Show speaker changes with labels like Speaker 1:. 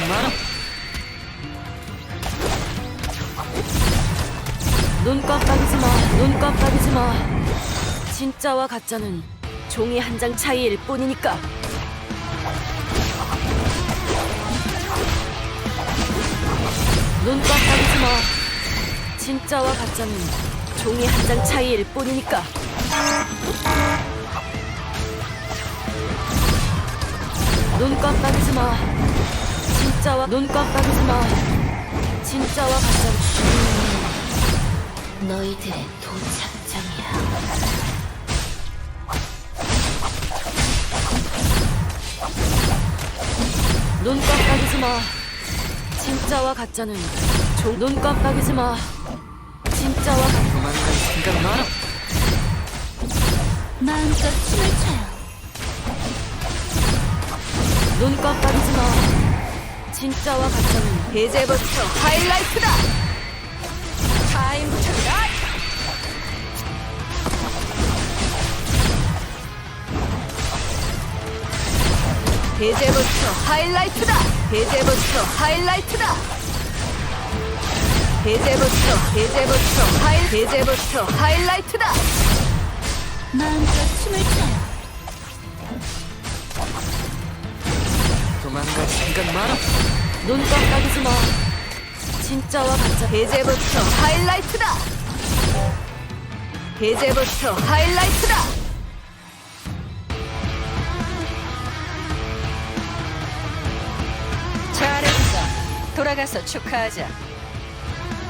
Speaker 1: 마라. 눈 깜빡이지 마. 눈 깜빡이지 마. 진짜와 가짜는 종이 한 장 차이일 뿐이니까. 눈 깜빡이지 마. 진짜와 가짜는 종이 한 장 차이일 뿐이니까. 눈 깜빡이지 마. 진짜와 눈 깜빡이지 마. 진짜와 가짜는
Speaker 2: 너희들의 도착장이야.
Speaker 1: 눈 깜빡이지 마. 진짜와 가짜는 눈 깜빡이지 마. 진짜와 가짜. 도망갈 생각 마라.
Speaker 2: 마음껏 춤을 춰요.
Speaker 1: 눈 깜빡이지 마. 진짜와 가짜는 이제부터 하이라이트다. 타임부터 라이트. 이제부터 하이라이트다. 이제부터 하이라이트다. 이제부터 하이라이트다.
Speaker 2: 마음껏 춤을 춰요.
Speaker 1: 도망갈 생각 마라. 눈 깜빡이지 마. 진짜와 가짜. 이제부터 하이라이트다. 이제부터 하이라이트다. 잘했어. 돌아가서 축하하자.